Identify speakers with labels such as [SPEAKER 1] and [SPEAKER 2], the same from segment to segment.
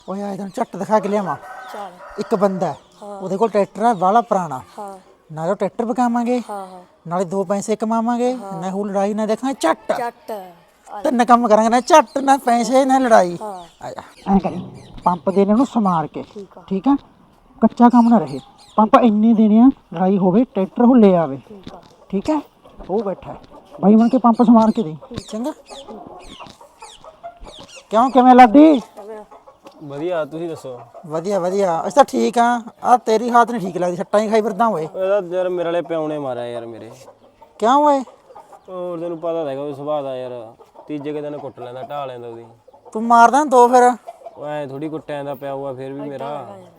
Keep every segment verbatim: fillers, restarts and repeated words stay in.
[SPEAKER 1] ਓਏ ਆਏ ਤੈਨੂੰ ਝੱਟ ਦਿਖਾ ਕੇ ਲਿਆਵਾਂ।
[SPEAKER 2] ਚੱਲ
[SPEAKER 1] ਇੱਕ ਬੰਦਾ ਉਹਦੇ ਕੋਲ ਟਰੈਕਟਰ ਆ ਵਾਲਾ ਪੁਰਾਣਾ,
[SPEAKER 2] ਹਾਂ
[SPEAKER 1] ਨਾਲੇ ਉਹ ਟਰੈਕਟਰ ਵਿਕਾਵਾਂਗੇ,
[SPEAKER 2] ਹਾਂ ਹਾਂ
[SPEAKER 1] ਨਾਲੇ ਦੋ ਪੈਸੇ ਕਮਾਵਾਂਗੇ, ਨਾ ਹੋ ਲੜਾਈ ਨਾ ਦੇਖਾਂ ਝੱਟ।
[SPEAKER 2] ਚੱਟ
[SPEAKER 1] ਤਿੰਨ ਕੰਮ ਕਰਾਂਗੇ, ਨਾ ਝੱਟ ਨਾ ਪੈਸੇ ਨਾ ਲੜਾਈ।
[SPEAKER 2] ਹਾਂ
[SPEAKER 1] ਆ ਜਾ ਐਂ ਕਰੀ, ਪੰਪ ਦੇਣੇ ਉਹਨੂੰ ਸਮਾਰ ਕੇ,
[SPEAKER 2] ਠੀਕ ਆ
[SPEAKER 1] ਠੀਕ ਆ, ਕੱਚਾ ਕੰਮ ਨਾ ਰਹੇ। ਪੰਪ ਇੰਨੇ ਦੇਣੇ ਆ ਲੜਾਈ ਹੋਵੇ ਟਰੈਕਟਰ ਉਹ ਲੈ ਆਵੇ,
[SPEAKER 2] ਠੀਕ ਆ
[SPEAKER 1] ਠੀਕ ਹੈ। ਉਹ ਬੈਠਾ ਬਾਈ ਬਣ ਕੇ ਪੰਪ ਸਮਾਰ ਕੇ ਦੇ ਚੰਗਾ। ਕਿਉਂ ਕਿਵੇਂ ਲਾਡੀ?
[SPEAKER 3] ਵਧੀਆ, ਤੁਸੀਂ ਦੱਸੋ?
[SPEAKER 1] ਵਧੀਆ ਵਧੀਆ, ਅਸੀਂ ਤਾਂ ਠੀਕ ਆ। ਆ ਤੇਰੀ ਹਾਲਤ ਨਹੀਂ ਠੀਕ ਲੱਗਦੀ, ਸੱਟਾਂ ਹੀ ਖਾਈ ਫਿਰਦਾ ਓਏ।
[SPEAKER 3] ਇਹਦਾ ਯਾਰ ਮੇਰੇ ਵਾਲੇ ਪਿਓ ਨੇ ਮਾਰਿਆ ਯਾਰ ਮੇਰੇ।
[SPEAKER 1] ਕਿਉਂ ਓਏ?
[SPEAKER 3] ਹੋਰ ਤੈਨੂੰ ਪਤਾ ਹੈਗਾ ਉਹ ਸੁਭਾਅ ਦਾ ਯਾਰ, ਤੀਜੇ ਕੁ ਦਿਨ ਕੁੱਟ ਲੈਂਦਾ, ਢਾਹ ਲੈਂਦਾ ਉਹਦੀ।
[SPEAKER 1] ਤੂੰ ਮਾਰਦਾ ਦੋ ਫਿਰ,
[SPEAKER 3] ਉਹ ਐਂ ਥੋੜੀ ਕੁੱਟਿਆ ਜਾਂਦਾ, ਪਿਆ ਹੋਆ ਫਿਰ ਵੀ ਮੇਰਾ।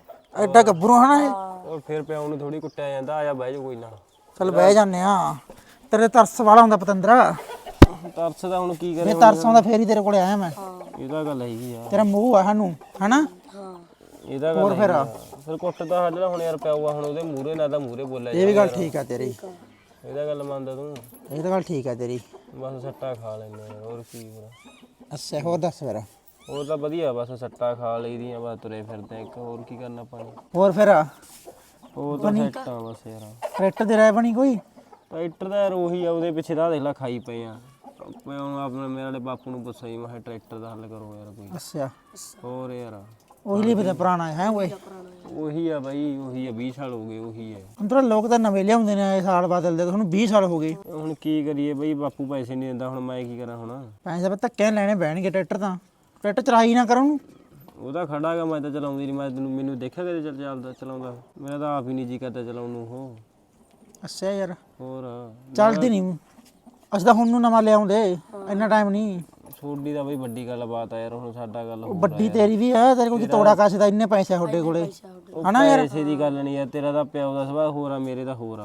[SPEAKER 1] ਐਡਾ ਗੱਭਰੂ ਹਨਾ ਇਹ।
[SPEAKER 3] ਉਹ ਫਿਰ ਪਿਓ ਨੂੰ ਥੋੜੀ ਕੁੱਟਿਆ ਜਾਂਦਾ। ਆ ਜਾ ਬਹਿ ਜਾ ਕੋਈ ਨਾ।
[SPEAKER 1] ਚੱਲ ਬਹਿ ਜਾਂਦੇ ਆ। ਤੇਰੇ ਤਰਸ ਵਾਲਾ ਹੁੰਦਾ ਪਤੰਦਰਾ।
[SPEAKER 3] ਤਰਸ ਦਾ ਹੁਣ ਕੀ
[SPEAKER 1] ਜੇ
[SPEAKER 3] ਕਰੇ?
[SPEAKER 1] ਤਰਸ ਆਉਂਦਾ ਫੇਰ ਹੀ ਤੇਰੇ ਕੋਲੇ ਆਇਆ ਮੈਂ।
[SPEAKER 3] ਇਹਦਾ ਗੱਲ ਹੈਗੀ ਆ।
[SPEAKER 1] ਤੇਰਾ ਮੂੰਹ ਆ ਸਾਨੂੰ ਹਨਾ।
[SPEAKER 2] ਹਾਂ
[SPEAKER 3] ਇਹਦਾ ਗੱਲ ਹੈਗੀ ਆ। ਫਿਰ ਕੁੱਟ ਤਾਂ ਸਾਡੇ ਨਾਲ ਹੁਣ ਯਾਰ ਪਿਆ ਹੋਆ, ਹੁਣ ਉਹਦੇ ਮੂਹਰੇ ਨਾ ਤਾਂ ਮੂਹਰੇ ਬੋਲਿਆ
[SPEAKER 1] ਇਹ ਵੀ ਗੱਲ ਠੀਕ ਆ ਤੇਰੀ,
[SPEAKER 3] ਇਹਦਾ ਗੱਲ ਮੰਨਦਾ ਤੂੰ?
[SPEAKER 1] ਇਹ ਤਾਂ ਗੱਲ ਠੀਕ ਆ ਤੇਰੀ।
[SPEAKER 3] ਬਸ ਸੱਟਾ ਖਾ ਲੈਂਦੇ ਆ, ਹੋਰ ਕੀ ਹੋਰ।
[SPEAKER 1] ਅੱਛਾ ਹੋਰ ਦੱਸ ਫਿਰ।
[SPEAKER 3] ਹੋਰ ਤਾਂ ਵਧੀਆ, ਬਸ ਸੱਟਾ ਖਾ ਲਈਦੀਆਂ, ਬਸ ਤੁਰੇ ਫਿਰਦੇ ਇੱਕ, ਹੋਰ ਕੀ ਕਰਨਾ ਆਪਾਂ ਨੇ।
[SPEAKER 1] ਹੋਰ ਫਿਰ
[SPEAKER 3] ਹੋਰ ਤਾਂ ਸੈੱਟ ਆ ਬਸ ਯਾਰ।
[SPEAKER 1] ਟਰੈਕਟਰ ਦੀ ਰਾਇ ਬਣੀ ਕੋਈ?
[SPEAKER 3] ਟਰੈਕਟਰ ਦਾ ਯਾਰ ਉਹੀ ਆ, ਉਹਦੇ ਪਿੱਛੇ ਤਾਂ ਦੇਖ ਲੈ ਖਾਈ ਪਏ ਆ। ਮੈਂ ਹੁਣ ਆਪਣੇ ਮੇਰੇ ਵਾਲੇ ਬਾਪੂ ਨੂੰ ਪੁੱਛਿਆ ਸੀ, ਮੈਂ ਕਿਹਾ ਟਰੈਕਟਰ ਦਾ ਹੱਲ ਕਰੋ ਯਾਰ ਕੋਈ।
[SPEAKER 1] ਅੱਛਾ
[SPEAKER 3] ਹੋਰ ਯਾਰ
[SPEAKER 1] ਉਹੀ ਲਈ ਪਤਾ ਪੁਰਾਣਾ ਹੈ ਓਏ।
[SPEAKER 3] ਉਹੀ ਆ ਬਾਈ, ਉਹੀ ਆ, ਵੀਹ ਸਾਲ ਹੋ ਗਏ ਉਹੀ ਹੈ।
[SPEAKER 1] ਅੰਦਰੋਂ ਲੋਕ ਤਾਂ ਨਵੇਂ ਲਿਆਉਂਦੇ ਨੇ, ਇਹ ਸਾਲ ਬਦਲਦੇ, ਤੁਹਾਨੂੰ ਵੀਹ ਸਾਲ ਹੋ ਗਏ।
[SPEAKER 3] ਹੁਣ ਕੀ ਕਰੀਏ ਬਈ, ਬਾਪੂ ਪੈਸੇ ਨਹੀਂ ਦਿੰਦਾ, ਹੁਣ ਮੈਂ ਕੀ ਕਰਾਂ ਹੁਣ।
[SPEAKER 1] ਪੈਸੇ ਤਾਂ ਧੱਕੇ ਲੈਣੇ ਬਹਿਣਗੇ ਟਰੈਕਟਰ ਤਾਂ। ਟਰੈਕਟਰ ਚਲਾਈ ਨਾ ਕਰੋ ਉਹਨੂੰ।
[SPEAKER 3] ਉਹਦਾ ਖੜਾ ਗਾ, ਮੈਂ ਤਾਂ ਚਲਾਉਂਦੀ ਨਹੀਂ। ਮੈਂ ਤੈਨੂੰ ਮੈਨੂੰ ਦੇਖਿਆ ਕਦੇ ਚੱਲ ਚੱਲਦਾ ਚਲਾਉਂਦਾ? ਮੇਰਾ ਤਾਂ ਆਪ ਹੀ ਨਹੀਂ ਜੀ ਕਰਦਾ ਚਲਾਉਣ ਨੂੰ ਉਹ।
[SPEAKER 1] ਅੱਛਾ ਯਾਰ
[SPEAKER 3] ਹੋਰ
[SPEAKER 1] ਚੱਲਦੀ ਨਹੀਂ। ਅਸੀਂ ਤਾਂ ਹੁਣ ਨੂੰ ਨਵਾਂ ਲਿਆਉਂਦੇ, ਇੰਨਾ ਟਾਈਮ ਨਹੀਂ।
[SPEAKER 3] ਛੋਡੀ ਦਾ ਬਈ ਵੱਡੀ ਗੱਲ ਬਾਤ ਆ ਯਾਰ, ਹੁਣ ਸਾਡਾ ਗੱਲ ਹੋਰ ਆ
[SPEAKER 1] ਵੱਡੀ ਤੇਰੀ ਵੀ ਆ, ਤੇਰੇ ਕੋਲ ਤੋੜਾ ਕਾਸੇ ਦਾ ਇੰਨੇ ਪੈਸੇ ਤੁਹਾਡੇ ਕੋਲੇ ਹਨਾ ਯਾਰ।
[SPEAKER 3] ਪੈਸੇ ਦੀ ਗੱਲ ਨਹੀਂ ਯਾਰ, ਤੇਰਾ ਤਾਂ ਪਿਓ ਦਾ ਸੁਭਾਅ ਹੋਰ ਆ, ਮੇਰੇ ਦਾ ਹੋਰ ਆ।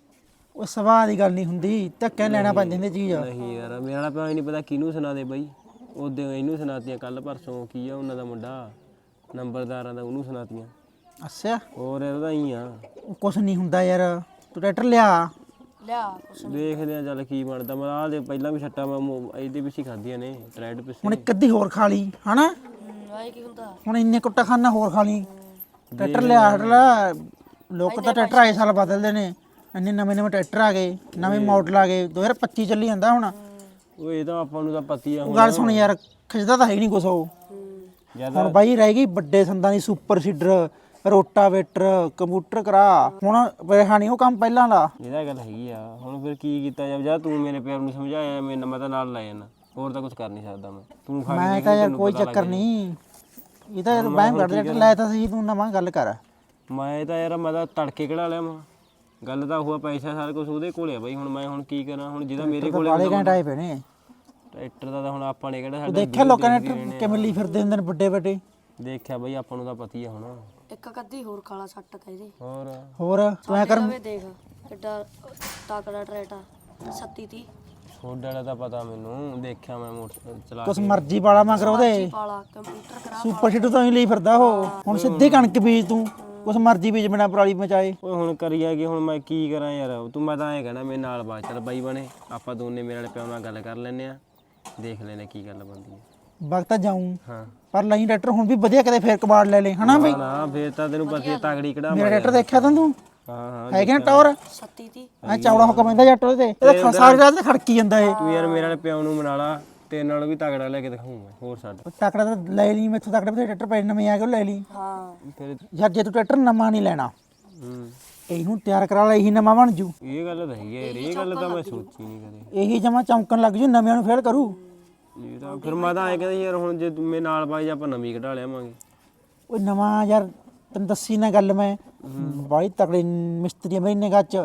[SPEAKER 1] ਉਹ ਸਵਾਹ ਦੀ ਗੱਲ ਨਹੀਂ ਹੁੰਦੀ, ਧੱਕੇ ਲੈਣਾ ਪੈਂਦੀ ਹੁੰਦੀ ਚੀਜ਼।
[SPEAKER 3] ਨਹੀਂ ਯਾਰ, ਮੇਰਾ ਵਾਲਾ ਪਿਓ ਹੀ ਨਹੀਂ ਪਤਾ ਕਿਹਨੂੰ ਸੁਣਾ ਦੇ ਬਈ। ਉਹਦੇ ਇਹਨੂੰ ਸੁਣਾਤੀਆਂ, ਕੱਲ ਪਰਸੋਂ ਕੀ ਆ ਉਹਨਾਂ ਦਾ ਮੁੰਡਾ ਨੰਬਰਦਾਰਾਂ ਦਾ, ਉਹਨੂੰ ਸੁਣਾਤੀਆਂ।
[SPEAKER 1] ਅੱਛਾ
[SPEAKER 3] ਹੋਰ ਯਾਰ ਉਹਦਾ ਹੀ ਆ।
[SPEAKER 1] ਕੁਛ ਨਹੀਂ ਹੁੰਦਾ ਯਾਰ, ਤੂੰ ਟਰੈਕਟਰ ਲਿਆ।
[SPEAKER 2] ਲਿਆ ਕੁਛ
[SPEAKER 3] ਦੇਖਦੇ ਆ ਚੱਲ ਕੀ ਬਣਦਾ। ਮੈਂ ਆਹ ਦੇ ਪਹਿਲਾਂ ਵੀ ਛੱਟਾਂ ਮੈਂ ਮੋ- ਇਹਦੇ ਪਿੱਛੇ ਖਾਧੀਆਂ ਨੇ, ਟਰੈਡ ਪਿੱਛੇ।
[SPEAKER 1] ਹੁਣ ਇੱਕ ਅੱਧੀ ਹੋਰ ਖਾ ਲਈ ਹਨਾ।
[SPEAKER 2] ਆਏ ਕੀ ਹੁੰਦਾ
[SPEAKER 1] ਹੁਣ ਇੰਨੇ ਕੁੱਟਾ ਖਾਨਾ ਹੋਰ ਖਾ ਲਈ। ਟਰੈਕਟਰ ਲਿਆ ਹਟ ਲਾ। ਲੋਕ ਤਾਂ ਟਰੈਕਟਰ ਆਏ ਸਾਲ ਬਦਲਦੇ ਨੇ, ਇੰਨੇ ਨਵੇਂ ਨਵੇਂ ਟਰੈਕਟਰ ਆ ਗਏ, ਨਵੇਂ ਮਾਡਲ ਆ ਗਏ। ਦੋ ਹਜ਼ਾਰ ਪੱਚੀ ਚੱਲੀ ਜਾਂਦਾ ਹੁਣ।
[SPEAKER 3] ਉਹ ਇਹ ਤਾਂ ਆਪਾਂ ਨੂੰ ਤਾਂ ਪਤੀ ਆ
[SPEAKER 1] ਉਹ
[SPEAKER 3] ਹੁਣ।
[SPEAKER 1] ਗੱਲ ਸੁਣ ਯਾਰ, ਖਿੱਚਦਾ ਤਾਂ ਹੈ ਨਹੀਂ ਕੁਛ ਉਹ।
[SPEAKER 3] ਜਿਆਦਾ
[SPEAKER 1] ਹੁਣ ਬਾਈ ਰਹਿ ਗਈ ਵੱਡੇ ਸੰਦਾਂ ਦੀ ਸੁਪਰ ਸੀਡਰ, ਰੋਟਾਵੇਟਰ, ਕੰਪਿਊਟਰ ਕਰਾ। ਹੁਣ ਰਿਹਾ ਨਹੀਂ ਉਹ ਕੰਮ ਪਹਿਲਾਂ ਵਾਲਾ।
[SPEAKER 3] ਇਹਦਾ ਗੱਲ ਹੈਗੀ ਆ। ਹੁਣ ਫਿਰ ਕੀ ਕੀਤਾ ਜਾਵੇ? ਜਾਂ ਤੂੰ ਮੇਰੇ ਪਿਆਰ ਨੂੰ ਸਮਝਾਇਆ, ਮੈਂ ਮੈਂ ਤਾਂ ਨਾਲ ਲੈ ਜਾਣਾ, ਹੋਰ ਤਾਂ ਕੁਝ ਕਰ ਨਹੀਂ ਸਕਦਾ ਮੈਂ। ਤੂੰ ਖਾ ਕੇ
[SPEAKER 1] ਮੈਂ
[SPEAKER 3] ਦੇਖ
[SPEAKER 1] ਤਾਂ
[SPEAKER 3] ਲਈ,
[SPEAKER 1] ਯਾਰ
[SPEAKER 3] ਤੈਨੂੰ
[SPEAKER 1] ਕੋਈ
[SPEAKER 3] ਪਤਾ
[SPEAKER 1] ਚੱਕਰ
[SPEAKER 3] ਲੱਗ
[SPEAKER 1] ਨਹੀਂ। ਇਹ ਤਾਂ ਯਾਰ ਬਹਿਮ ਕੱਢ ਟਰੈਕਟਰ ਲੈ ਤਾਂ ਸਹੀ, ਤੂੰ ਨਵਾਂ ਗੱਲ ਕਰ।
[SPEAKER 3] ਮੈਂ ਤਾਂ ਯਾਰ ਮੈਂ ਤਾਂ ਤੜਕੇ ਕਿਹੜਾ ਲਿਆ ਮੈਂ। ਗੱਲ ਤਾਂ ਹੋਆ ਪੈਸਾ ਸਾਰਾ ਕੁਝ ਉਹਦੇ ਕੋਲੇ ਆ ਬਾਈ। ਹੁਣ ਮੈਂ ਹੁਣ ਕੀ ਕਰਾਂ? ਹੁਣ ਜਿਹਦਾ ਮੇਰੇ ਕੋਲੇ
[SPEAKER 1] ਵਾਲੇ ਘੰਟੇ ਆਏ ਪਏ ਨੇ।
[SPEAKER 3] ਟਰੈਕਟਰ ਦਾ ਤਾਂ ਹੁਣ ਆਪਾਂ ਨੇ ਕਿਹੜਾ, ਸਾਡਾ
[SPEAKER 1] ਦੇਖਿਆ ਲੋਕਾਂ ਨੇ ਟਰੈਕਟਰ ਕਿਵੇਂ ਲਈ ਫਿਰਦੇ ਹੁੰਦੇ ਨੇ ਵੱਡੇ ਵੱਡੇ।
[SPEAKER 3] ਦੇਖਿਆ ਬਾਈ, ਆਪਾਂ ਨੂੰ ਤਾਂ ਪਤੀ ਆ ਹੁਣ।
[SPEAKER 2] ਇੱਕ ਕੱਦੀ ਹੋਰ ਕਾਲਾ ਸੱਟ ਤਾ ਇਹਦੇ।
[SPEAKER 3] ਹੋਰ
[SPEAKER 1] ਹੋਰ ਤੂੰ ਐ ਕਰ,
[SPEAKER 2] ਲਵੇ ਦੇਖ ਕਿੱਡਾ ਤਾਕੜਾ ਟਰੈਟਾ ਸੱਤੀ ਤੀ
[SPEAKER 3] ਛੋਡ ਵਾਲਾ ਤਾਂ ਪਤਾ ਮੈਨੂੰ, ਦੇਖਿਆ ਮੈਂ ਮੋਟਰ ਚਲਾ
[SPEAKER 1] ਕੁਛ ਮਰਜ਼ੀ ਵਾਲਾ ਮਗਰ ਉਹਦੇ।
[SPEAKER 2] ਪਾਲਾ ਕੰਪਿਊਟਰ ਕਰਾ
[SPEAKER 1] ਸੁਪਰ ਸੀਡਰ ਤੋਂ ਹੀ ਲਈ ਫਿਰਦਾ ਉਹ। ਹੁਣ ਸਿੱਧੀ ਕਣਕ ਬੀਜ ਤੂੰ, ਕੁਛ ਮਰਜ਼ੀ ਬੀਜ ਬਿਨਾ ਪਰਾਲੀ ਮਚਾਏ।
[SPEAKER 3] ਓਏ ਹੁਣ ਕਰੀਆ ਕਿ ਹੁਣ ਮੈਂ ਕੀ ਕਰਾਂ ਯਾਰ? ਤੂੰ ਮੈਂ ਤਾਂ ਐਂ ਕਹਿਣਾ ਮੇਰੇ ਨਾਲ ਬਾਤ ਚੱਲ ਬਾਈ ਬਣੇ, ਆਪਾਂ ਦੋਨੇ ਮੇਰੇ ਵਾਲੇ ਪਿਓ ਨਾਲ ਗੱਲ ਕਰ ਲੈਨੇ ਆ, ਦੇਖ ਲੈਨੇ ਕੀ ਗੱਲ ਬਣਦੀ ਹੈ।
[SPEAKER 1] ਵਕਤ ਜਾਊਂ
[SPEAKER 3] ਹਾਂ
[SPEAKER 1] ਪਰ ਲਈ ਟਰੈਕਟਰ ਹੁਣ ਵੀ ਵਧੀਆ, ਕਦੇ ਫੇਰ ਕਬਾੜ ਲੈ ਲੈ ਹਨਾ ਬਈ।
[SPEAKER 3] ਨਾ ਫੇਰ ਤਾਂ ਤੈਨੂੰ ਪਤੀ ਤਗੜੀ ਕਢਾ।
[SPEAKER 1] ਮੇਰਾ ਟਰੈਕਟਰ ਦੇਖਿਆ ਤੂੰ?
[SPEAKER 3] ਹਾਂ ਹਾਂ
[SPEAKER 1] ਹੈਗੇ ਨਾ ਟੌਰ
[SPEAKER 2] ਸੱਤੀ ਤੀ
[SPEAKER 1] ਐ ਚੌੜਾ ਹੁਕਮ ਪੈਂਦਾ ਜੱਟ ਉਹਦੇ ਤੇ। ਇਹਦਾ ਸਾਰੀ ਰਾਤ ਤੇ ਖੜਕੀ ਜਾਂਦਾ ਇਹ।
[SPEAKER 3] ਤੂੰ ਯਾਰ ਮੇਰੇ ਵਾਲੇ ਪਿਓ ਨੂੰ ਮਨਾ ਲਾ, ਤੇਰੇ ਨਾਲ ਵੀ ਤਗੜਾ ਲੈ ਕੇ ਦਿਖਾਊਂ ਮੈਂ। ਹੋਰ ਛੱਡ
[SPEAKER 1] ਟਰੈਕਟਰ ਤਾਂ ਲੈ ਲਈ ਮੈਥੋਂ, ਤਕੜੇ ਬਤੇ ਟਰੈਕਟਰ ਪੈ ਨਵੇਂ ਆ ਕੇ ਉਹ ਲੈ ਲਈ।
[SPEAKER 2] ਹਾਂ
[SPEAKER 3] ਫਿਰ।
[SPEAKER 1] ਯਾਰ ਜੇ ਤੂੰ ਟਰੈਕਟਰ ਨਵਾਂ ਨਹੀਂ ਲੈਣਾ,
[SPEAKER 3] ਹੂੰ
[SPEAKER 1] ਇਹਨੂੰ ਤਿਆਰ ਕਰਾ ਲੈ, ਇਹੀ ਨਵਾਂ ਬਣ ਜੂ।
[SPEAKER 3] ਇਹ ਗੱਲ ਤਾਂ ਹੈਗੀ ਯਾਰ, ਇਹ ਗੱਲ ਤਾਂ ਮੈਂ ਸੋਚੀ ਨਹੀਂ ਕਦੇ।
[SPEAKER 1] ਇਹੀ ਜਮਾ ਚੌਂਕਣ ਲੱਗ ਜੂ, ਨਵਿਆਂ ਨੂੰ ਫੇਲ ਕਰੂ।
[SPEAKER 3] ਇਹ ਤਾਂ ਫਿਰ ਮੈਂ ਤਾਂ ਐਂ ਕਹਿੰਦਾ ਯਾਰ, ਹੁਣ ਜੇ ਤੂੰ ਮੇਰੇ ਨਾਲ ਪਾਈ ਆਪਾਂ ਨਵੀਂ ਕਢਾ ਲਿਆਵਾਂਗੇ।
[SPEAKER 1] ਉਹ ਨਵਾਂ ਯਾਰ ਤੈਨੂੰ ਦੱਸੀ ਨਾ ਗੱਲ ਮੈਂ, ਬਾਈ ਤਕੜੇ ਮਿਸਤਰੀ ਮੇਰੀ ਨਿਗਾਹ ਚ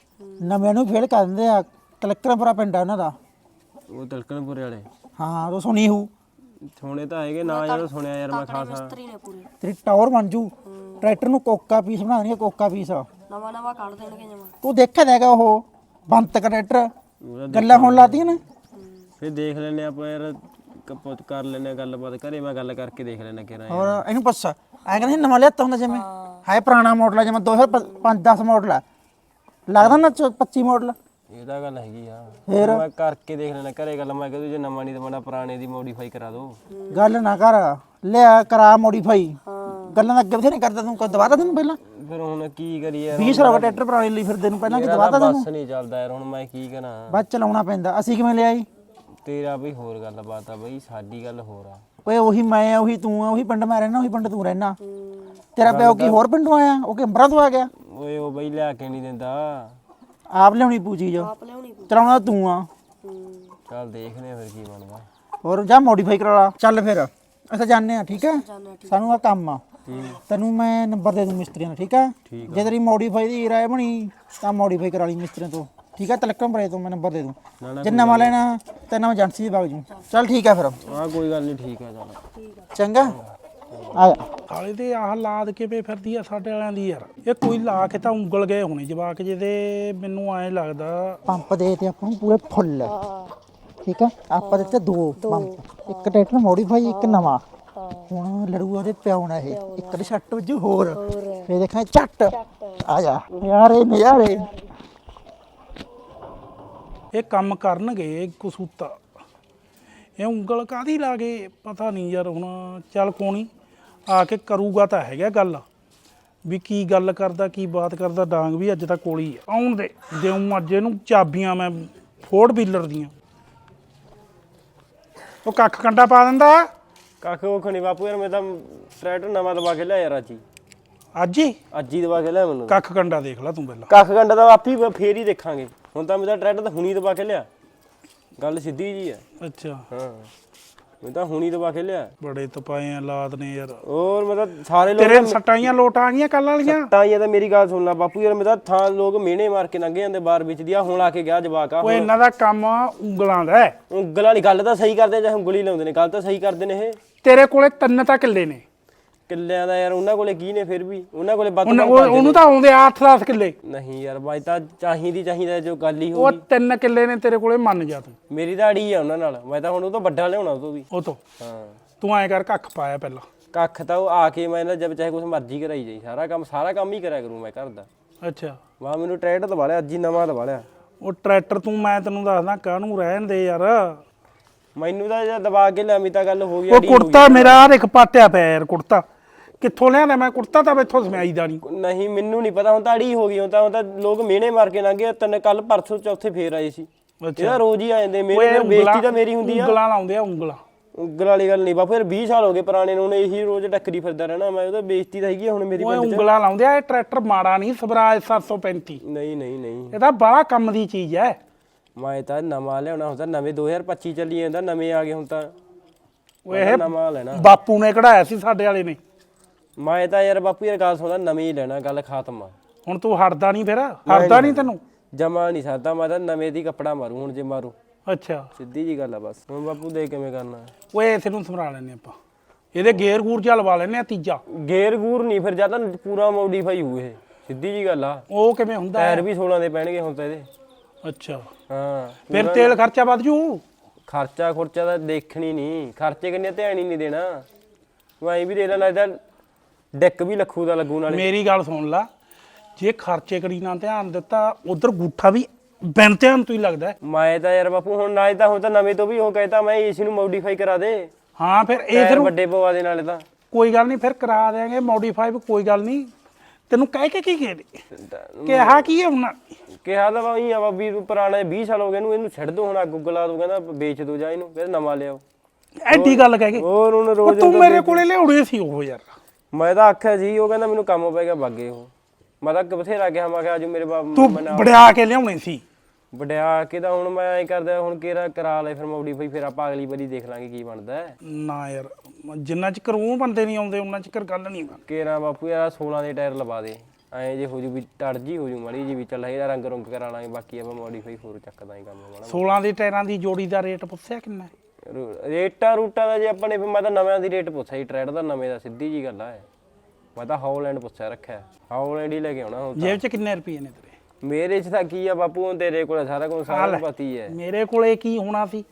[SPEAKER 1] ਨਵਿਆਂ ਨੂੰ ਫੇਲ ਕਰ ਦਿੰਦੇ ਆ। ਕਲਕਰਪੁਰਾ ਪਿੰਡ ਆ ਉਹਨਾਂ ਦਾ।
[SPEAKER 3] ਉਹ ਤਲਕਣਪੁਰੇ ਵਾਲੇ
[SPEAKER 1] ਹਾਂ ਉਹ ਸੁਣੀ ਹੂ।
[SPEAKER 3] ਸੁਣੇ ਤਾਂ ਹੈਗੇ ਨਾ ਯਾਰ, ਸੁਣਿਆ ਯਾਰ ਮੈਂ ਖਾਸਾ।
[SPEAKER 2] ਮਿਸਤਰੀ ਨੇ ਪੂਰੇ
[SPEAKER 1] ਤੇਰੀ ਟਾਵਰ ਬਣ ਜੂ। ਟਰੈਕਟਰ ਨੂੰ ਕੋਕਾ ਪੀਸ ਬਣਾ ਦੇਣਗੇ, ਕੋਕਾ ਪੀਸ।
[SPEAKER 2] ਨਵਾਂ ਨਵਾਂ ਕੱਢ ਦੇਣਗੇ ਜਮਾ।
[SPEAKER 1] ਤੂੰ ਦੇਖਿਆ ਤਾਂ ਹੈਗਾ ਉਹ ਬੰਤ ਟਰੈਕਟਰ, ਗੱਲਾਂ ਹੁਣ ਲਾਤੀਆਂ ਨੇ।
[SPEAKER 3] ਫਿਰ ਦੇਖ ਲੈਨੇ ਆਪਾਂ ਯਾਰ, ਕਪੋਤ ਕਰ ਲੈਨੇ ਗੱਲਬਾਤ, ਘਰੇ ਮੈਂ ਗੱਲ ਕਰਕੇ ਦੇਖ ਲੈਣਾ ਕਿਹੜਾ ਯਾਰ।
[SPEAKER 1] ਹੋਰ ਇਹਨੂੰ ਪੁੱਛ, ਐ ਕਹਿੰਦੇ ਨਵਾਂ ਲਿਆਤਾ ਹੁੰਦਾ ਜਿਵੇਂ ਹੈ ਪੁਰਾਣਾ ਮਾਡਲ ਆ, ਜਿਵੇਂ ਦੋ ਹਜ਼ਾਰ ਪੰਜ ਦਸ ਮਾਡਲ ਆ, ਲੱਗਦਾ ਨਾ ਪੱਚੀ ਮਾਡਲ।
[SPEAKER 3] ਇਹ ਤਾਂ ਗੱਲ ਹੈਗੀ ਆ।
[SPEAKER 1] ਫੇਰ
[SPEAKER 3] ਮੈਂ ਕਰਕੇ ਦੇਖ ਲੈਣਾ ਘਰੇ ਗੱਲ। ਮੈਂ ਕਹਿੰਦਾ ਜੇ ਨਵਾਂ ਨਹੀਂ ਤਾਂ ਮੈਂ ਪੁਰਾਣੇ ਦੀ ਮੋਡੀਫਾਈ ਕਰਾ ਦੋ।
[SPEAKER 1] ਗੱਲ ਨਾ ਕਰ, ਲਿਆ ਕਰਾ ਮੋਡੀਫਾਈ।
[SPEAKER 2] ਹਾਂ
[SPEAKER 1] ਗੱਲਾਂ ਦਾ ਅੱਗੇ ਬਥੇ ਨਹੀਂ ਕਰਦਾ ਤੂੰ ਕਦ ਦਵਾਤਾ ਤੈਨੂੰ ਪਹਿਲਾਂ
[SPEAKER 3] ਫਿਰ ਹੁਣ ਕੀ ਕਰੀਏ ਯਾਰ
[SPEAKER 1] ਵੀਹ ਸਾਲ ਟਰੈਕਟਰ ਪੁਰਾਣੇ ਲਈ ਫਿਰਦੇ ਨੂੰ ਪਹਿਲਾਂ ਕੀ ਦਵਾਤਾ ਤੈਨੂੰ
[SPEAKER 3] ਬਸ ਨਹੀਂ ਚੱਲਦਾ ਯਾਰ ਹੁਣ ਮੈਂ ਕੀ ਕਰਾਂ
[SPEAKER 1] ਬਸ ਚਲਾਉਣਾ ਪੈਂਦਾ। ਅਸੀਂ ਕਿਵੇਂ ਲਿਆਈ
[SPEAKER 3] ਤੇਰਾ ਬਈ ਹੋਰ ਗੱਲ ਬਾਤ ਆ ਬਈ ਸਾਡੀ ਗੱਲ ਹੋਰ ਆ
[SPEAKER 1] ਓਏ ਉਹੀ ਮੈਂ ਆ ਉਹੀ ਤੂੰ ਆ ਉਹੀ ਪਿੰਡ ਮੈਂ ਰਹਿਣਾ ਉਹੀ ਪਿੰਡ ਤੂੰ ਰਹਿਣਾ।
[SPEAKER 2] ਹੂੰ,
[SPEAKER 1] ਤੇਰਾ ਪਿਓ ਕੀ ਹੋਰ ਪਿੰਡੋਂ ਆਇਆ ਉਹ ਕਿ ਅੰਬਰਾਂ ਤੋਂ ਆ ਗਿਆ
[SPEAKER 3] ਓਏ ਉਹ ਬਈ ਲਿਆ ਕੇ ਨਹੀਂ ਦਿੰਦਾ
[SPEAKER 1] ਆਪ ਲਿਆਉਣੀ ਪੂ ਚੀਜ਼
[SPEAKER 2] ਆਪ ਲਿਆਉਣੀ ਪਊ।
[SPEAKER 1] ਚਲਾਉਣਾ ਤੂੰ ਆ।
[SPEAKER 2] ਹੂੰ
[SPEAKER 3] ਚੱਲ ਦੇਖਦੇ ਆ ਫਿਰ ਕੀ ਬਣਦਾ
[SPEAKER 1] ਹੋਰ ਜਾ ਮੋਡੀਫਾਈ ਕਰਾ ਲਾ ਚੱਲ ਫਿਰ ਅਸੀਂ ਜਾਂਦੇ ਆ ਠੀਕ ਹੈ
[SPEAKER 2] ਜਾਨਾ ਠੀਕ
[SPEAKER 1] ਸਾਨੂੰ ਆ ਕੰਮ ਆ ਤੈਨੂੰ ਮੈਂ ਨੰਬਰ ਦੇ ਦੂੰ ਮਿਸਤਰੀਆਂ ਦਾ ਠੀਕ ਹੈ ਜੇ ਤੇਰੀ ਮੋਡੀਫਾਈ ਦੀ ਰਾਏ ਬਣੀ ਤਾਂ ਮੋਡੀਫਾਈ ਕਰਾ ਲਈ ਮਿਸਤਰੀਆਂ ਤੋਂ ਠੀਕ ਹੈ ਤਲਕਮ ਬਰੇ ਤੋਂ ਮੈਂ ਨੰਬਰ ਦੇ ਦੂੰ ਜੇ ਨਵਾਂ ਲੈਣਾ ਤੇ ਨਵਾਂ ਏਜੰਸੀ ਦੇ ਬਾਗ ਜੂ ਚੱਲ ਠੀਕ ਹੈ ਫਿਰ
[SPEAKER 3] ਹਾਂ ਕੋਈ ਗੱਲ ਨਹੀਂ ਠੀਕ ਆ ਚੱਲ
[SPEAKER 1] ਚੰਗਾ ਆ ਜਾ
[SPEAKER 4] ਸਾਲੇ ਤੇ ਆਹ ਲਾਦ ਕਿਵੇਂ ਫਿਰਦੀ ਆ ਸਾਡੇ ਵਾਲਿਆਂ ਦੀ ਯਾਰ ਇਹ ਕੋਈ ਲਾ ਕੇ ਤਾਂ ਉਂਗਲ ਗਏ ਹੋਣੇ ਜਵਾਕ ਜੇ ਤੇ ਮੈਨੂੰ ਐਂ ਲੱਗਦਾ
[SPEAKER 1] ਪੰਪ ਦੇ ਤੇ ਆਪਾਂ ਨੂੰ ਪੂਰੇ ਫੁੱਲ ਠੀਕ ਹੈ ਆਪਾਂ ਦਿੱਤੇ ਦੋ ਪੰਪ ਇੱਕ ਟਰੈਕਟਰ ਮੋਡੀਫਾਈ ਇੱਕ ਨਵਾਂ ਹੁਣ ਲੜੂਆ ਉਹਦੇ ਪਿਓ ਨਾਲ ਇਹ ਇੱਕ ਦੇ ਛੱਟ ਵਜੂ ਹੋਰ ਫੇਰ ਦੇਖਾਂ ਝੱਟ ਆ ਜਾ ਯਾਰੇ ਨਜ਼ਾਰੇ
[SPEAKER 4] ਇਹ ਕੰਮ ਕਰਨਗੇ ਕਸੂਤਾ ਇਹ ਉਂਗਲ ਕਾਦੀ ਲਾ ਕੇ ਪਤਾ ਨਹੀਂ ਯਾਰ ਹੁਣ ਚੱਲ ਕੋਣੀ ਆ ਕੇ ਕਰੂਗਾ ਤਾਂ ਹੈਗਾ ਗੱਲ ਵੀ ਕੀ ਗੱਲ ਕਰਦਾ ਕੀ ਬਾਤ ਕਰਦਾ ਡਾਂਗ ਵੀ ਅੱਜ ਤੱਕ ਕੋਲੀ ਆ। ਆਉਣ ਦੇ ਦੇਉਂ ਅੱਜ ਇਹਨੂੰ ਚਾਬੀਆਂ ਮੈਂ ਫੋਰਡ ਵੀਲਰ ਦੀਆਂ ਉਹ ਕੱਖ ਕੰਡਾ ਪਾ ਦਿੰਦਾ
[SPEAKER 3] ਕੱਖ ਉਹ ਖਣੀ ਬਾਪੂ ਯਾਰ ਮੈਂ ਤਾਂ ਟਰੈਕਟਰ ਨਵਾਂ ਦਵਾ ਕੇ ਲਿਆ ਯਾਰ ਅੱਜ ਹੀ
[SPEAKER 4] ਅੱਜ ਹੀ
[SPEAKER 3] ਅੱਜ ਹੀ ਦਵਾ ਕੇ ਲਿਆ ਮੈਨੂੰ
[SPEAKER 4] ਕੱਖ ਕੰਡਾ ਦੇਖ ਲੈ ਤੂੰ ਪਹਿਲਾਂ
[SPEAKER 3] ਕੱਖ ਘੰਟਾ ਤਾਂ ਆਪੀ ਫੇਰ ਹੀ ਦੇਖਾਂਗੇ ਹੁਣ ਤਾਂ ਮੇਰਾ ਟਰੈਕਟਰ ਤਾਂ ਹੁਣੀ ਦਵਾ ਕੇ ਲਿਆ ਗੱਲ ਸਿੱਧੀ ਜੀ ਆ
[SPEAKER 4] ਅੱਛਾ
[SPEAKER 3] ਹਾਂ ਮੈਂ ਤਾਂ ਹੁਣੀ ਦਵਾ ਕੇ ਲਿਆ
[SPEAKER 4] ਬੜੇ ਤਪਾਏ ਆ ਲਾਦ ਨੇ ਯਾਰ
[SPEAKER 3] ਹੋਰ ਮੈਂ ਤਾਂ ਸਾਰੇ ਲੋਕ
[SPEAKER 4] ਤੇਰੇ ਸੱਟਾਈਆਂ ਲੋਟ ਆ ਗਈਆਂ ਕੱਲ ਵਾਲੀਆਂ
[SPEAKER 3] ਤਾਂ ਇਹ ਤਾਂ ਮੇਰੀ ਗੱਲ ਸੁਣ ਲੈ ਬਾਪੂ ਯਾਰ ਮੈਂ ਤਾਂ ਥਾਂ ਲੋਕ ਮਿਹਣੇ ਮਾਰ ਕੇ ਲੰਘੇ ਜਾਂਦੇ ਬਾਰ ਵਿੱਚ ਦੀ ਆ ਹੁਣ ਆ ਕੇ ਗਿਆ ਜਵਾਕ ਆ
[SPEAKER 4] ਓਏ ਇਹਨਾਂ ਦਾ ਕੰਮ ਉਂਗਲਾਂ ਦਾ ਹੈ।
[SPEAKER 3] ਉਂਗਲ ਵਾਲੀ ਗੱਲ ਤਾਂ ਸਹੀ ਕਰਦੇ ਚਾਹੇ ਉਂਗਲੀ ਲਾਉਂਦੇ ਨੇ ਗੱਲ ਤਾਂ ਸਹੀ ਕਰਦੇ ਨੇ ਇਹ
[SPEAKER 4] ਤੇਰੇ ਕੋਲੇ ਤਿੰਨ ਤਾਂ ਕਿੱਲੇ ਨੇ
[SPEAKER 3] ਕਿੱਲਿਆਂ ਦਾ ਯਾਰ ਉਹਨਾਂ ਕੋਲੇ ਕੀ ਨੇ ਫਿਰ ਵੀ ਉਹਨਾਂ ਕੋਲੇ ਵੱਧ
[SPEAKER 4] ਉਹਨ-
[SPEAKER 3] ਕੰਮ
[SPEAKER 4] ਉਹ-
[SPEAKER 3] ਕਰਦੇ
[SPEAKER 4] ਉਹਨੂੰ ਤਾਂ ਆਉਂਦੇ ਆ ਅੱਠ ਦਸ ਕਿੱਲੇ
[SPEAKER 3] ਨਹੀਂ ਯਾਰ ਬਾਈ ਤਾਂ ਚਾਹੀਦੀ ਚਾਹੀਦਾ ਜੋ ਗੱਲ ਹੀ ਹੋ
[SPEAKER 4] ਉਹ ਤਿੰਨ ਕਿੱਲੇ ਨੇ ਤੇਰੇ ਕੋਲੇ ਮੰਨ ਜਾ ਤੂੰ
[SPEAKER 3] ਮੇਰੀ ਤਾਂ ਅੜੀ ਆ ਉਹਨਾਂ ਨਾਲ ਮੈਂ ਤਾਂ ਹੁਣ ਉਹ ਤੋਂ ਵੱਡਾ ਲਿਆਉਣਾ ਉਹ ਤੋਂ ਵੀ
[SPEAKER 4] ਉਹ ਤੋਂ
[SPEAKER 3] ਹਾਂ
[SPEAKER 4] ਤੂੰ ਐਂ ਕਰ ਕੱਖ ਪਾਇਆ ਪਹਿਲਾਂ
[SPEAKER 3] ਕੱਖ ਤਾਂ ਉਹ ਆ ਕੇ ਮੈਂ ਨਾ ਜਦ ਚਾਹੇ ਕੁਛ ਮਰਜ਼ੀ ਕਰਾਈ ਜਾਈ ਸਾਰਾ ਕੰਮ ਸਾਰਾ ਕੰਮ ਹੀ ਕਰਿਆ ਕਰੂੰ ਮੈਂ ਘਰ ਦਾ
[SPEAKER 4] ਅੱਛਾ
[SPEAKER 3] ਵਾਹ ਮੈਨੂੰ ਟਰੈਕਟਰ ਦਵਾ ਲਿਆ ਅੱਜ ਹੀ ਨਵਾਂ ਦਵਾ ਲਿਆ
[SPEAKER 4] ਉਹ ਟਰੈਕਟਰ ਤੂੰ ਮੈਂ ਤੈਨੂੰ ਦੱਸਦਾ ਕਾਹਨੂੰ ਰਹਿਣ ਦੇ ਯਾਰ
[SPEAKER 3] ਮੈਨੂੰ ਤਾਂ ਜਦ ਦਵਾ ਕੇ ਲਿਆਵੀਂ ਤਾਂ ਗੱਲ ਹੋ ਗਈ
[SPEAKER 4] ਉਹ
[SPEAKER 3] ਅੜੀ ਹੋ
[SPEAKER 4] ਕੁੜਤਾ ਮੇਰਾ ਆਹ ਦੇਖ ਪਾਟਿਆ ਪਿਆ ਯਾਰ ਕੁੜਤਾ ਕਿੱਥੋਂ ਲਿਆਂਦਾ ਮੈਂ ਕੁੜਤਾ ਤਾਂ ਇੱਥੋਂ ਸਮਾਈ ਦਾ ਨਹੀਂ
[SPEAKER 3] ਗਈ। ਨਹੀਂ ਮੈਨੂੰ ਨਹੀਂ ਪਤਾ ਹੁਣ ਤਾਂ ਅੜੀ ਹੋ ਗਈ ਹੁਣ ਤਾਂ ਹੁਣ ਤਾਂ ਲੋਕ ਮਿਹਣੇ ਮਾਰ ਕੇ ਲੰਘੇ ਤਿੰਨ ਕੱਲ ਪਰਸੋਂ ਚੌਥੇ ਫੇਰ ਆਏ ਸੀ ਇਹਦਾ ਰੋਜ਼ ਹੀ ਆ ਜਾਂਦੇ ਮੇਰੇ ਬੇਇੱਜ਼ਤੀ ਤਾਂ ਮੇਰੀ ਹੁੰਦੀ ਆ
[SPEAKER 4] ਉਂਗਲਾਂ ਲਾਉਂਦੇ ਆ ਉਂਗਲਾਂ
[SPEAKER 3] ਉਂਗਲ ਵਾਲੀ ਗੱਲ ਨਹੀਂ ਬਾਪੂ ਯਾਰ ਵੀਹ ਸਾਲ ਹੋ ਗਏ ਪੁਰਾਣੇ ਨੂੰ ਇਹੀ ਰੋਜ਼ ਟੱਕਰੀ ਫਿਰਦਾ ਰਹਿਣਾ ਮੈਂ ਉਹਦਾ ਬੇਇੱਜ਼ਤੀ ਤਾਂ ਹੈਗੀ ਆ ਹੁਣ ਮੇਰੀ
[SPEAKER 4] ਓਏ
[SPEAKER 3] ਪਿੰਡ 'ਚ
[SPEAKER 4] ਉਂਗਲਾਂ ਲਾਉਂਦੇ ਆ ਇਹ ਟਰੈਕਟਰ ਮਾੜਾ ਨਹੀਂ ਸਵਰਾਜ ਸੱਤ ਸੌ ਪੈਂਤੀ
[SPEAKER 3] ਨਹੀਂ ਨਹੀਂ ਨਹੀਂ
[SPEAKER 4] ਇਹ ਤਾਂ ਬੜਾ ਕੰਮ ਦੀ ਚੀਜ਼ ਹੈ।
[SPEAKER 3] ਮੈਂ ਤਾਂ ਨਵਾਂ ਲਿਆਉਣਾ ਹੁੰਦਾ ਨਵੇਂ ਦੋ ਹਜ਼ਾਰ ਪੱਚੀ ਚੱਲੀ ਜਾਂਦਾ ਨਵੇਂ ਆ ਗਏ ਹੁਣ ਤਾਂ
[SPEAKER 4] ਓਏ ਇਹ
[SPEAKER 3] ਨਵਾਂ ਲੈਣਾ
[SPEAKER 4] ਬਾਪੂ ਨੇ ਕਢਾਇਆ ਸੀ ਸਾਡੇ ਵਾਲੇ ਨੇ
[SPEAKER 3] ਮੈਂ ਤਾਂ ਯਾਰ ਬਾਪੂ ਯਾਰ ਗੱਲ ਸੁਣਦਾ ਨਵੇਂ ਹੀ ਲੈਣਾ ਗੱਲ ਖਾਤਮ ਆ
[SPEAKER 4] ਹੁਣ ਤੂੰ ਹਟਦਾ ਨਹੀਂ ਫਿਰ ਹਟਦਾ ਨਹੀਂ ਤੈਨੂੰ
[SPEAKER 3] ਜਮਾ ਨਹੀਂ ਸਕਦਾ ਮੈਂ ਤਾਂ ਨਵੇਂ ਦੀ ਕੱਪੜਾ ਮਾਰੂ ਹੁਣ ਜੇ ਮਾਰੂ
[SPEAKER 4] ਅੱਛਾ
[SPEAKER 3] ਸਿੱਧੀ ਜੀ ਗੱਲ ਆ ਬਸ ਹੁਣ ਬਾਪੂ ਦੇ ਕਿਵੇਂ ਕਰਨਾ
[SPEAKER 4] ਓਏ ਇਸੇ ਨੂੰ ਸਮਰਾ ਲੈਨੇ ਆਪਾਂ ਇਹਦੇ ਗੇਅਰ ਗੂਰ ਚ ਲਵਾ ਲੈਨੇ ਆ ਤੀਜਾ
[SPEAKER 3] ਗੇਅਰ ਗੂਰ ਨਹੀਂ ਫਿਰ ਜਾਂ ਤਾਂ ਪੂਰਾ ਮੋਡੀਫਾਈ ਹੋਊ ਇਹ ਸਿੱਧੀ ਜੀ ਗੱਲ ਆ
[SPEAKER 4] ਉਹ ਕਿਵੇਂ ਹੁੰਦਾ
[SPEAKER 3] ਟਾਇਰ ਵੀ ਸੋਲਾਂ ਦੇ ਪੈਣਗੇ ਹੁਣ ਤਾਂ ਇਹਦੇ
[SPEAKER 4] ਅੱਛਾ
[SPEAKER 3] ਹਾਂ
[SPEAKER 4] ਫਿਰ ਤੇਲ ਖਰਚਾ ਵੱਧ ਜੂ
[SPEAKER 3] ਖਰਚਾ ਖੁਰਚਾ ਤਾਂ ਦੇਖਣੀ ਨਹੀਂ ਖਰਚੇ ਕਿੰਨੇ ਧਿਆਨ ਹੀ ਨਹੀਂ ਦੇਣਾ ਤੂੰ ਐਂ ਵੀ ਦੇ ਲੈਣਾ ਇਹਦਾ ਡੈਕ ਵੀ ਲੱਖੂ ਦਾ ਲੱਗੂ ਨਾਲੇ
[SPEAKER 4] ਮੇਰੀ ਗੱਲ ਸੁਣ ਲਾ ਜੇ ਖਰਚੇ ਕਰੀ ਨਾ ਧਿਆਨ ਦਿੱਤਾ ਉਧਰ ਗੂਠਾ ਵੀ ਬਿਨ ਧਿਆਨ ਤੋਂ ਹੀ ਲੱਗਦਾ ਹੈ।
[SPEAKER 3] ਮੈਂ ਤਾਂ ਯਾਰ ਬਾਪੂ ਹੁਣ ਨਾ ਤਾਂ ਹੁਣ ਤਾਂ ਨਵੇਂ ਤੋਂ ਵੀ ਉਹ ਕਹਿਤਾ ਮੈਂ ਏਸੀ ਨੂੰ ਮੋਡੀਫਾਈ ਕਰਾ ਦੇ
[SPEAKER 4] ਹਾਂ ਫਿਰ ਇਹ
[SPEAKER 3] ਟਾਇਰ
[SPEAKER 4] ਫਿਰ
[SPEAKER 3] ਵੱਡੇ ਪਵਾ ਦੇ ਨਾਲੇ ਤਾਂ
[SPEAKER 4] ਕੋਈ ਗੱਲ ਨਹੀਂ ਫਿਰ ਕਰਾ ਦੇਾਂਗੇ ਮੋਡੀਫਾਈ ਕੋਈ ਗੱਲ ਨਹੀਂ ਤੈਨੂੰ ਕਹਿ ਕੇ ਕੀ ਕਹੇ ਕਿਹਾ ਕੀ ਹੈ ਉਹਨਾਂ
[SPEAKER 3] ਕਿਹਾ ਤਾਂ ਬਾਈ ਆ ਬਾਬੀ ਤੂੰ ਪੁਰਾਣਾ ਵੀਹ ਸਾਲ ਹੋ ਗਏ ਇਹਨੂੰ ਇਹਨੂੰ ਛੱਡ ਦੋ ਹੁਣ ਅੱਗ ਗੁੱਗਲਾ ਦੋ ਕਹਿੰਦਾ ਵੇਚ ਦੋ ਜਾ ਇਹਨੂੰ ਫਿਰ ਨਵਾਂ ਲਿਆਓ
[SPEAKER 4] ਐਡੀ ਗੱਲ ਕਹਿ ਕੇ
[SPEAKER 3] ਹੋਰ ਉਹਨੂੰ
[SPEAKER 4] ਉਹ
[SPEAKER 3] ਰੋਜ਼
[SPEAKER 4] ਤੂੰ ਮੇਰੇ ਕੋਲੇ ਲਿਆਉਣੇ ਸੀ ਉਹ ਯਾਰ
[SPEAKER 3] ਮੈਂ ਤਾਂ ਆਖਿਆ ਸੀ ਉਹ ਕਹਿੰਦਾ ਮੈਨੂੰ ਕੰਮ ਪੈ ਗਿਆ ਬਾਗੇ ਉਹ ਮੈਂ ਤਾਂ ਬਥੇਰਾ ਗਿਆ ਮੈਂ ਕਿਹਾ ਅੱਜ ਮੇਰੇ ਬਾਪ
[SPEAKER 4] ਤੂੰ ਵੜਿਆ ਕੇ ਲਿਆਉਣੇ ਸੀ
[SPEAKER 3] ਵਡਿਆ ਕੇ ਤਾਂ ਹੁਣ ਮੈਂ ਐ ਕਰਦਾ ਹੁਣ ਕਿਹੜਾ ਕਰਾ ਲੈ ਫਿਰ ਮੋਡੀਫਾਈ ਫਿਰ ਆਪਾਂ ਅਗਲੀ ਵਾਰੀ ਦੇਖ ਲਾਂਗੇ ਕੀ ਬਣਦਾ ਹੈ
[SPEAKER 4] ਨਾ ਯਾਰ ਜਿੰਨਾ ਚਿਰ ਉਹ ਬੰਦੇ ਨਹੀਂ ਆਉਂਦੇ ਉਹਨਾਂ ਚਿਰ ਗੱਲ ਨਹੀਂ ਬਣਦੀ
[SPEAKER 3] ਕੇਰਾ ਬਾਪੂ ਯਾਰ ਸੋਲਾਂ ਦੇ ਟਾਇਰ ਲਵਾ ਦੇ ਐਂ ਜੇ ਹੋ ਜੂ ਵੀ ਟੜ ਜੀ ਹੋ ਜੂ ਮਾੜੀ ਜੀ ਵੀ ਚੱਲ ਇਹਦਾ ਰੰਗ ਰੁੰਗ ਕਰਾ ਲਾਂਗੇ ਬਾਕੀ ਆਪਾਂ ਮੋਡੀਫਾਈ ਹੋਰ ਚੱਕਦਾ ਹੀ ਕੰਮ ਮਾੜਾ
[SPEAKER 4] ਸੋਲਾਂ ਦੇ ਟਾਇਰਾਂ ਦੀ ਜੋੜੀ ਦਾ ਰੇਟ ਪੁੱਛਿਆ ਕਿੰਨਾ
[SPEAKER 3] ਰੂ- ਰੇਟਾਂ ਰੂਟਾਂ ਦਾ ਜੇ ਆਪਣੇ ਮੈਂ ਤਾਂ ਨਵਿਆਂ ਦੀ ਰੇਟ ਪੁੱਛਿਆ ਜੀ ਟਰੈਡ ਦਾ ਨਵੇਂ ਦਾ ਸਿੱਧੀ ਜੀ ਗੱਲ ਆ ਮੈਂ ਤਾਂ ਹਾਲੈਂਡ ਪੁੱਛਿਆ ਰੱਖਿਆ ਹਾਲੈਂਡ ਹੀ ਲੈ ਕੇ ਆਉਣਾ ਹੁਣ ਤਾਂ
[SPEAKER 4] ਜੇਬ 'ਚ ਕਿੰਨੇ ਰੁਪਏ ਨੇ ਤੇਰੇ
[SPEAKER 3] ਮੇਰੇ 'ਚ ਤਾਂ ਕੀ ਆ ਬਾਪੂ ਹੁਣ ਤੇਰੇ ਕੋਲ ਸਾਰਾ ਕੁਝ ਸਾਰਾ ਪਤਾ ਹੀ ਹੈ
[SPEAKER 4] ਮੇਰੇ ਕੋਲੇ ਕੀ ਹੋਣਾ ਸੀ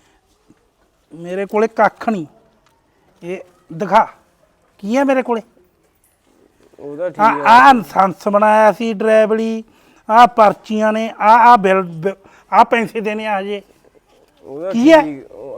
[SPEAKER 4] ਮੇਰੇ ਕੋਲੇ ਕੱਖ ਨਹੀਂ ਇਹ ਦਿਖਾ ਕੀ ਹੈ ਮੇਰੇ ਕੋਲੇ
[SPEAKER 3] ਉਹਦਾ ਠੀਕ
[SPEAKER 4] ਆ ਆ ਲਾਇਸੈਂਸ ਬਣਾਇਆ ਸੀ ਡਰਾਈਵਰੀ ਆ ਪਰਚੀਆਂ ਨੇ ਆ ਆ ਬਿੱਲ ਆ ਪੈਸੇ ਦੇਣੇ ਆ ਹਜੇ
[SPEAKER 3] ਉਹਦਾ
[SPEAKER 4] ਕੀ ਹੈ?
[SPEAKER 3] ਠੀਕ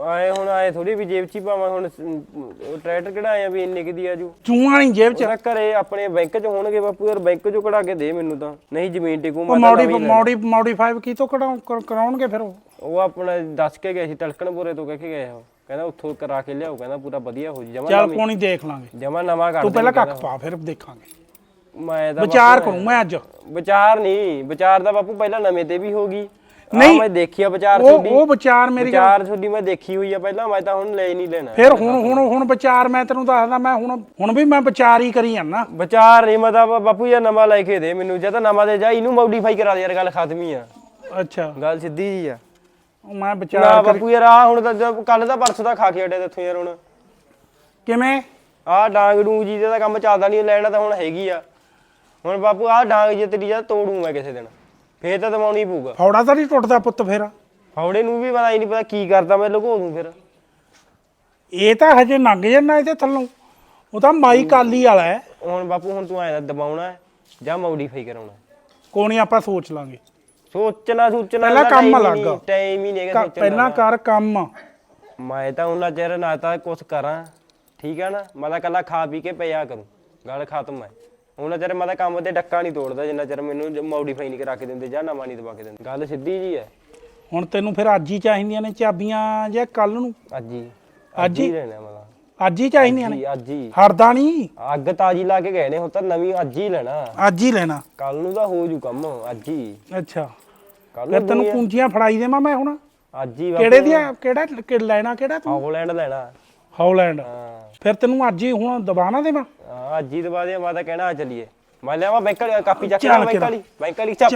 [SPEAKER 3] ਆਏ ਹੁਣ ਆਏ ਥੋੜੀ ਵੀ ਜੇਬ 'ਚ ਹੀ ਪਾਵਾਂ ਹੁਣ ਉਹ ਟਰੈਕਟਰ ਕਿਹੜਾ ਆਇਆ ਵੀ ਇੰਨੇ ਕਿਦੀ ਆਜੂ
[SPEAKER 4] ਚੂਹਾਂ ਨਹੀਂ ਜੇਬ 'ਚ।
[SPEAKER 3] ਉਹਦਾ ਘਰੇ ਆਪਣੇ ਬੈਂਕ 'ਚ ਹੋਣਗੇ ਬਾਪੂ ਯਾਰ ਬੈਂਕ 'ਚੋਂ ਕਢਾ ਕੇ ਦੇ ਮੈਨੂੰ ਤਾਂ ਨਹੀਂ ਜ਼ਮੀਨ ਟਿਕੂ
[SPEAKER 4] ਉਹ
[SPEAKER 3] ਮੈਂ ਤਾਂ
[SPEAKER 4] ਮੋਡੀ
[SPEAKER 3] ਨਵੀਂ ਲੈਣੀ।
[SPEAKER 4] ਮੋਡੀ ਮੋਡੀਫਾਈ ਕੀ ਤੋਂ ਕਢਾਉ ਕਰਾਉਣਗੇ ਫਿਰ ਉਹ?
[SPEAKER 3] ਉਹ ਆਪਣਾ ਦੱਸ ਕੇ ਗਏ ਸੀ ਤਲਕਣਪੁਰੇ ਤੋਂ ਕਹਿ ਕੇ ਗਏ ਉਹ ਕਹਿੰਦਾ ਉੱਥੋਂ ਕਰਾ ਕੇ ਲਿਆਓ ਕਹਿੰਦਾ ਪੂਰਾ ਵਧੀਆ ਹੋ ਜੀ ਜਮਾ
[SPEAKER 4] ਚੱਲ ਕੋਈ ਨਹੀਂ ਦੇਖ ਲਾਂਗੇ,
[SPEAKER 3] ਜਮਾ ਨਵਾਂ ਕਰ
[SPEAKER 4] ਤੂੰ
[SPEAKER 3] ਦੇ
[SPEAKER 4] ਪਹਿਲਾਂ
[SPEAKER 3] ਕਹਿੰਦਾ।
[SPEAKER 4] ਕੱਖ ਪਾ ਫਿਰ ਦੇਖਾਂਗੇ।
[SPEAKER 3] ਮੈਂ ਤਾਂ
[SPEAKER 4] ਵਿਚਾਰ ਕਰੂੰ ਮੈਂ ਅੱਜ।
[SPEAKER 3] ਵਿਚਾਰ ਨਹੀਂ ਵਿਚਾਰ ਦਾ ਬਾਪੂ ਪਹਿਲਾਂ ਨਵੇਂ ਤੇ ਵੀ ਹੋ ਗਈ
[SPEAKER 4] ਨਹੀਂ
[SPEAKER 3] ਮੈਂ ਦੇਖੀ ਆ ਵਿਚਾਰ
[SPEAKER 4] ਉਹ
[SPEAKER 3] ਤੁਹਾਡੀ
[SPEAKER 4] ਉਹ ਵਿਚਾਰ ਮੇਰੀ ਗੱਲ-
[SPEAKER 3] ਵਿਚਾਰ ਤੁਹਾਡੀ ਮੈਂ ਦੇਖੀ ਹੋਈ ਆ ਪਹਿਲਾਂ ਮੈਂ ਤਾਂ ਹੁਣ ਲੈ ਹੀ ਨਹੀਂ ਲੈਣਾ
[SPEAKER 4] ਫਿਰ ਹੁਣ ਹੁਣ ਹੁਣ ਵਿਚਾਰ ਮੈਂ ਤੈਨੂੰ ਦੱਸਦਾ ਮੈਂ ਹੁਣ ਹੁਣ ਵੀ ਮੈਂ ਵਿਚਾਰ ਹੀ ਕਰੀ ਜਾਂਦਾ।
[SPEAKER 3] ਵਿਚਾਰ ਨਹੀਂ ਮਤਲਬ ਬਾਪੂ ਯਾਰ ਨਵਾਂ ਲੈ ਕੇ ਦੇ ਮੈਨੂੰ ਜਾਂ ਤਾਂ ਨਵਾਂ ਦੇ ਜਾ ਇਹਨੂੰ ਮੋਡੀਫਾਈ ਕਰਾ ਦੇ ਯਾਰ ਗੱਲ ਖਤਮ ਹੀ ਆ
[SPEAKER 4] ਅੱਛਾ
[SPEAKER 3] ਗੱਲ ਸਿੱਧੀ ਜੀ ਆ
[SPEAKER 4] ਉਹ ਮੈਂ
[SPEAKER 3] ਨਾ
[SPEAKER 4] ਵਿਚਾਰ ਕਰੀ
[SPEAKER 3] ਬਾਪੂ ਯਾਰ ਆ ਹੁਣ ਤਾਂ ਕੱਲ ਦਾ ਪਰਸੋਂ ਦਾ ਖਾ ਕੇ ਹਟਿਆ ਇੱਥੋਂ ਯਾਰ ਹੁਣ
[SPEAKER 4] ਕਿਵੇਂ
[SPEAKER 3] ਆਹ ਡਾਂਗ ਡੂੰਗ ਜੀ ਦਾ ਕੰਮ ਚੱਲਦਾ ਨਹੀਂ ਲੈਣਾ ਤਾਂ ਹੁਣ ਹੈਗੀ ਆ ਹੁਣ ਬਾਪੂ ਆਹ ਡਾਂਗ ਜੀ ਤੇਰੀ ਜਾਂ ਤੋੜੂ ਮੈਂ ਕਿਸੇ ਦਿਨ ਫੇਰ ਤਾਂ ਦਵਾਉਣੀ ਪਊਗਾ
[SPEAKER 4] ਫੌੜਾ ਤਾਂ ਨਹੀਂ ਟੁੱਟਦਾ ਪੁੱਤ ਫਿਰ।
[SPEAKER 3] ਫੌੜੇ ਨੂੰ ਵੀ ਪਤਾ ਹੀ ਨਹੀਂ ਪਤਾ ਕੀ ਕਰਦਾ ਮੈਂ ਲੁਕੋ ਦੂੰ ਫਿਰ
[SPEAKER 4] ਇਹ ਤਾਂ ਹਜੇ ਲੰਘ ਜਾਂਦਾ ਇਹਦੇ ਥੱਲੋਂ, ਉਹ ਤਾਂ ਮਾਈ ਕਾਲੀ ਵਾਲਾ ਹੈ।
[SPEAKER 3] ਹੁਣ ਬਾਪੂ ਹੁਣ ਤੂੰ ਐਂ ਦਬਾਉਣਾ ਹੈ ਜਾਂ ਮੋਡੀਫਾਈ ਕਰਾਉਣਾ
[SPEAKER 4] ਕੋਈ ਨਹੀਂ ਆਪਾਂ ਸੋਚ ਲਾਂਗੇ।
[SPEAKER 3] ਸੋਚਣਾ ਸੋਚਣਾ
[SPEAKER 4] ਪਹਿਲਾਂ ਕੰਮ ਲੱਗ
[SPEAKER 3] ਟਾਈਮ ਹੀ ਨਹੀਂ ਹੈਗਾ
[SPEAKER 4] ਕ- ਪਹਿਲਾਂ ਕਰ ਕੰਮ।
[SPEAKER 3] ਮੈਂ ਤਾਂ ਉਹਨਾਂ ਚਿਰ ਨਾ ਤਾਂ ਕੁਛ ਕਰਾਂ ਠੀਕ ਆ ਨਾ ਮੈਂ ਤਾਂ ਕੱਲਾ ਖਾ ਪੀ ਕੇ ਪਿਆ ਕਰੂੰ ਗੱਲ ਖਤਮ ਹੈ ਉਹਨਾਂ ਚਿਰ ਮੈਂ ਤਾਂ ਕੰਮ ਤੇ ਡੱਕਾ ਨਹੀਂ ਤੋੜਦਾ ਜਿੰਨਾ ਚਿਰ ਮੈਨੂੰ ਮੋਡੀਫਾਈ ਨਹੀਂ ਕਰਾ ਕੇ ਦਿੰਦੇ ਜਾਂ ਨਵਾਂ ਨਹੀਂ ਦਵਾ ਕੇ ਦਿੰਦੇ ਗੱਲ ਸਿੱਧੀ ਜੀ ਹੈ।
[SPEAKER 4] ਹੁਣ ਤੈਨੂੰ ਫਿਰ ਅੱਜ ਹੀ ਚਾਹੀਦੀਆਂ ਨੇ ਚਾਬੀਆਂ ਜਾਂ ਕੱਲ ਨੂੰ?
[SPEAKER 3] ਅੱਜ ਹੀ
[SPEAKER 4] ਅੱਜ ਹੀ?
[SPEAKER 3] ਲੈਣਾ ਮੈਂ ਤਾਂ
[SPEAKER 4] ਅੱਜ ਹੀ ਚਾਹੀਦੀਆਂ ਨੇ?
[SPEAKER 3] ਜੀ ਅੱਜ ਹੀ
[SPEAKER 4] ਹਰਦਾ ਨਹੀਂ,
[SPEAKER 3] ਅੱਗ ਤਾਜੀ ਲਾ ਕੇ ਗਏ ਨੇ ਹੁਣ ਤਾਂ ਨਵੀਂ ਅੱਜ ਹੀ ਲੈਣਾ
[SPEAKER 4] ਅੱਜ ਹੀ ਲੈਣਾ।
[SPEAKER 3] ਕੱਲ ਨੂੰ ਤਾਂ ਹੋ ਜੂ ਕੰਮ ਅੱਜ ਹੀ
[SPEAKER 4] ਅੱਛਾ
[SPEAKER 3] ਕੱਲ
[SPEAKER 4] ਫਿਰ
[SPEAKER 3] ਨੂੰ
[SPEAKER 4] ਤੈਨੂੰ ਪੂੰਜੀਆਂ ਫੜਾਈ ਦੇਵਾਂ ਮੈਂ ਹੁਣ?
[SPEAKER 3] ਅੱਜ ਹੀ
[SPEAKER 4] ਕਿਹੜੇ ਦੀਆਂ ਕਿਹੜਾ ਕਿ ਲੈਣਾ ਕਿਹੜਾ ਤੂੰ?
[SPEAKER 3] ਹਾਲੈਂਡ ਲੈਣਾ
[SPEAKER 4] ਹਾਲੈਂਡ।
[SPEAKER 3] ਹਾਂ
[SPEAKER 4] ਫਿਰ ਤੈਨੂੰ ਅੱਜ ਹੀ ਹੁਣ ਦਬਾਣਾ ਦੇਵਾਂ?
[SPEAKER 3] ਹਾਂ, ਅੱਜ ਹੀ ਦਵਾ ਦੇ ਮੈਂ ਤਾਂ ਕਹਿਣਾ ਆ ਚੱਲੀਏ ਮੈਂ ਲਿਆਵਾਂ ਬੈਂਕ ਵਾਲੀ ਕਾਪੀ ਚੱਕ ਲਿਆ ਬੈਂਕ ਵਾਲੀ ਬੈਂਕ ਵਾਲੀ ਚੱਪ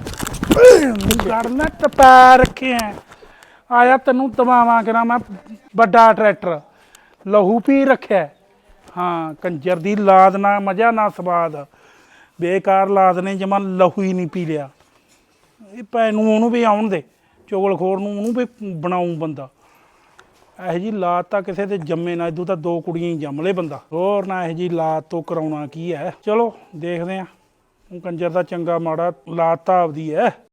[SPEAKER 4] ਗੜਨਾ ਟਪਾ ਰੱਖਿਆ ਆਇਆ ਤੈਨੂੰ ਦਵਾਵਾਂ ਕਰਾਂ ਮੈਂ ਵੱਡਾ ਟਰੈਕਟਰ ਲਹੂ ਪੀ ਰੱਖਿਆ। ਹਾਂ ਕੰਜਰ ਦੀ ਲਾਦ ਨਾ ਮਜ਼ਾ ਨਾ ਸਵਾਦ ਬੇਕਾਰ ਲਾਦ ਨੇ ਜਮਾ ਲਹੂ ਹੀ ਨਹੀਂ ਪੀ ਲਿਆ। ਇਹ ਭੈਣ ਨੂੰ ਉਹਨੂੰ ਵੀ ਆਉਣ ਦੇ ਚੁਗਲਖੋਰ ਨੂੰ ਉਹਨੂੰ ਵੀ ਬਣਾਉਂ ਬੰਦਾ। ਇਹੋ ਜੀ ਲਾਤ ਤਾਂ ਕਿਸੇ ਦੇ ਜੰਮੇ ਨਾ ਇਦੋਂ ਤਾਂ ਦੋ ਕੁੜੀਆਂ ਹੀ ਜੰਮ ਲੇ ਬੰਦਾ ਹੋਰ ਨਾ ਇਹੋ ਜੀ ਲਾਤ ਤੋਂ ਕਰਾਉਣਾ ਕੀ ਹੈ। ਚਲੋ ਦੇਖਦੇ ਹਾਂ ਕੰਜਰ ਦਾ ਚੰਗਾ ਮਾੜਾ ਲਾਤ ਤਾਂ ਆਪਦੀ ਹੈ।